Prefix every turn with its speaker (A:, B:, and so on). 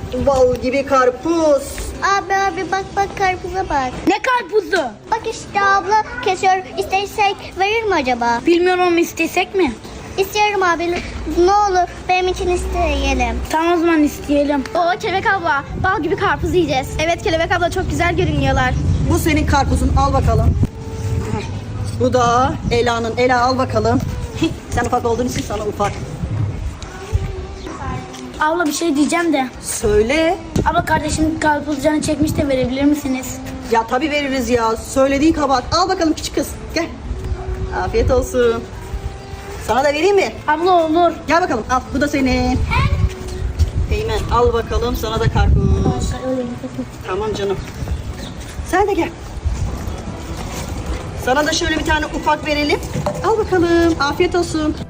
A: Bal gibi karpuz.
B: Abi bak karpuza bak.
C: Ne karpuzu?
B: Bak işte abla kesiyor. İstesek verir mi acaba?
C: Bilmiyorum, istesek mi?
B: İstiyorum abi. Ne olur benim için isteyelim.
C: Tamam, o zaman isteyelim.
D: Oo Kelebek abla, bal gibi karpuz yiyeceğiz. Evet Kelebek abla, çok güzel görünüyorlar.
A: Bu senin karpuzun, al bakalım. Bu da Ela'nın. Ela al bakalım. Sen ufak olduğun için sana ufak.
C: Abla bir şey diyeceğim de.
A: Söyle.
C: Abla kardeşim karpuz canı çekmiş de verebilir misiniz?
A: Ya tabii veririz ya. Söylediğin kabahat. Al bakalım küçük kız. Gel. Afiyet olsun. Sana da vereyim mi?
C: Abla olur.
A: Gel bakalım. Al. Bu da senin. Eymen al bakalım. Sana da karpuz. Tamam canım. Sen de gel. Sana da şöyle bir tane ufak verelim. Al bakalım. Afiyet olsun.